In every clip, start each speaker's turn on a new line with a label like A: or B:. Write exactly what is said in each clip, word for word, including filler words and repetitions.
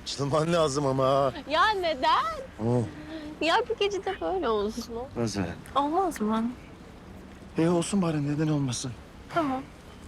A: Açılman lazım ama.
B: Ya neden?
A: Oh.
B: Ya bir gece de böyle olsun.
A: Nasıl?
B: Olmaz mı?
A: İyi olsun bari, neden olmasın?
B: Tamam.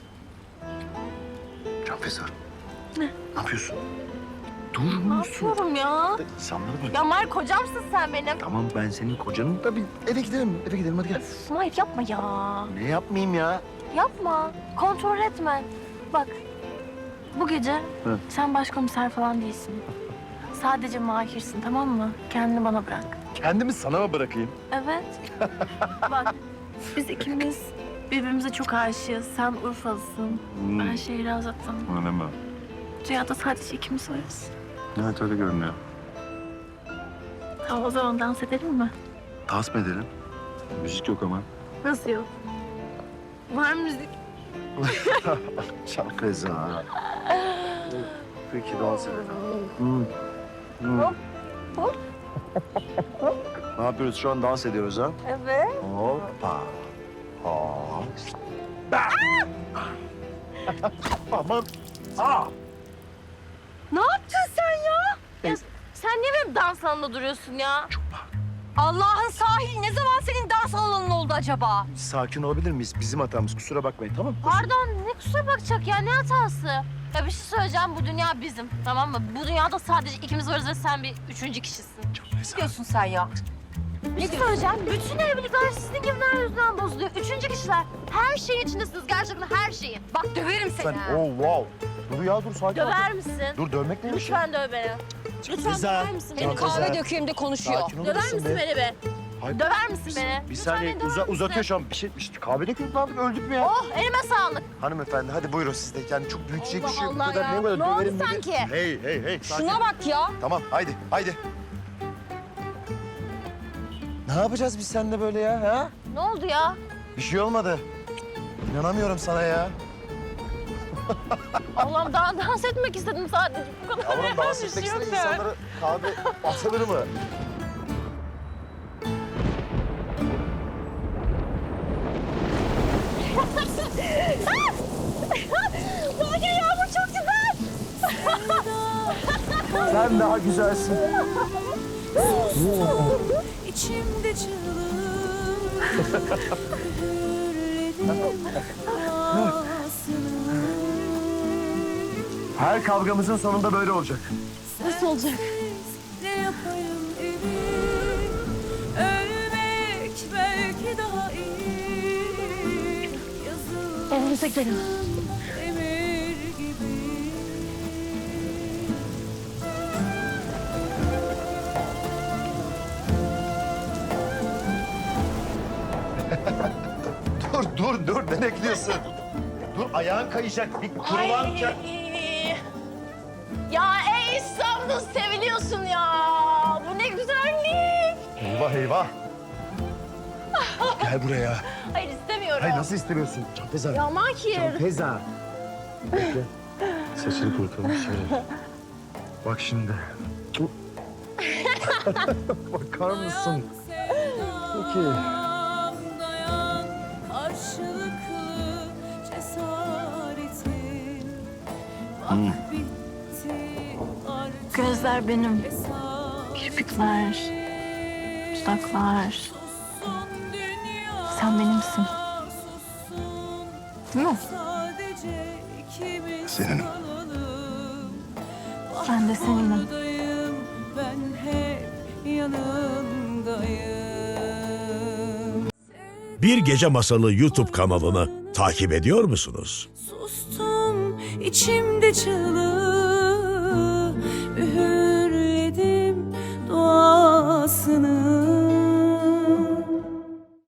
A: Canfeza.
B: Ne?
A: Ne yapıyorsun? Dur
B: Ne
A: musun?
B: yapıyorum ya?
A: Sen bana bak.
B: Ya Mahir kocamsın sen benim.
A: Tamam, ben senin kocanım da bir eve gidelim. Eve gidelim, hadi gel.
B: Üf, Mahir yapma ya.
A: Ne yapmayayım ya?
B: Yapma. Kontrol etme. Bak. Bu gece
A: Hı.
B: sen başkomiser falan değilsin. Sadece Mahir'sin, tamam mı? Kendini bana bırak.
A: Kendimi sana mı bırakayım?
B: Evet. Bak biz ikimiz birbirimize çok aşığız. Sen Urfalısın.
A: Hmm.
B: Ben Şehrazat'ım.
A: Öyle mi?
B: Dünyada sadece ikimiz varız.
A: Evet, öyle görünüyor.
B: Tamam, o zaman dans edelim mi?
A: Dans mı edelim? Müzik yok ama.
B: Nasıl yok? Var müzik.
A: Canfeza. Peki, dans edelim. Hmm. Hmm.
B: Hop, hop.
A: Ne yapıyoruz şu an? Dans ediyoruz ha?
B: Evet.
A: Hoppa. Hop. Aman. Aa.
B: Ne yaptın sen ya? ya sen niye benim dans alanında duruyorsun ya? Allah'ın sahil ne zaman senin dans alanın oldu acaba?
A: Sakin olabilir miyiz? Bizim hatamız. Kusura bakmayın, tamam mı?
B: Pardon, ne kusura bakacak ya, ne hatası? Ya bir şey söyleyeceğim, bu dünya bizim, tamam mı? Bu dünyada sadece ikimiz varız ve sen bir üçüncü kişisin.
A: Canfeza.
B: diyorsun sen ya? Ne söyleyeceğim? Bütün evlilikler sizin gibiler yüzünden bozuluyor. Üçüncü kişiler. Her şeyin içindesiniz, gerçekten her şeyin. Bak döverim seni.
A: Sen,
B: ha.
A: oh wow. Dur ya, dur sakin ol.
B: Döver misin?
A: Dur, dövmek neymiş ya?
B: Lütfen döv beni. Lütfen
A: Rıza,
B: döver misin beni?
A: Can Rıza.
B: Kahve dökeyim de konuşuyor.
A: Sakin olur
B: Döver
A: musun
B: misin
A: be?
B: beni be?
A: Hayır.
B: Döver misin
A: Bir-
B: beni?
A: Bir
B: Lütfen
A: saniye
B: beni döver
A: uza,
B: misin?
A: uzatıyor şu an. Bir şey, işte kahve döküyoruz, ne yaptık? Öldük mü ya?
B: Oh, elime sağlık.
A: Hanımefendi, hadi buyurun siz de. Yani çok büyütecek
B: Allah
A: bir şey yok. Bu
B: Allah
A: kadar
B: ya.
A: ne kadar
B: Ne oldu
A: döverim beni?
B: sanki?
A: Hey hey hey. Sakin.
B: Şuna bak ya.
A: Tamam, haydi haydi. Ne yapacağız biz seninle böyle ya? Ha?
B: Ne oldu ya?
A: Bir şey olmadı. İnanamıyorum sana ya.
B: Allah'ım daha dans etmek istedim sadece. Bu kadar.
A: Yavrum,
B: yani
A: dans
B: bir
A: etmek
B: şey yok
A: isteyen
B: ya.
A: insanlara kahve atılır mı?
B: Bugün yağmur çok güzel.
A: Sen daha güzelsin.
C: İçimde çığlık
A: Her kavgamızın sonunda böyle olacak.
B: Nasıl olacak?
C: Ne yapayım ümit ölmek belki daha iyi yazılı
B: Evimize gidelim.
C: emir gibi.
A: Dur dur dur, ne bekliyorsun? Dur, ayağın kayacak. Bir kurulanken.
B: Ay. Ya ey İstanbul, seviliyorsun ya. Bu ne güzellik.
A: Eyvah eyvah. Gel buraya.
B: Hayır istemiyorum.
A: Hayır, nasıl istemiyorsun? Canfeza.
B: Ya Mahir.
A: Canfeza. Bekle. Saçını kurutalım şöyle. Bak şimdi. Bakar mısın? Peki.
C: Dayan, dayan, karşılıklı cesaretin. Bak bitti artık
B: Gözler benim.
C: hesap.
B: Kirpikler, dudaklar.
C: Sussun dünya,
B: Sen benimsin.
C: sussun.
B: Değil mi?
C: Sadece ikimiz
A: Seninim.
C: kalalım. Bak
B: Ben de seninim.
C: buradayım, ben hep yanındayım.
D: Bir Gece Masalı YouTube kanalını takip ediyor musunuz?
C: Sustum içimde çığlığı, üğür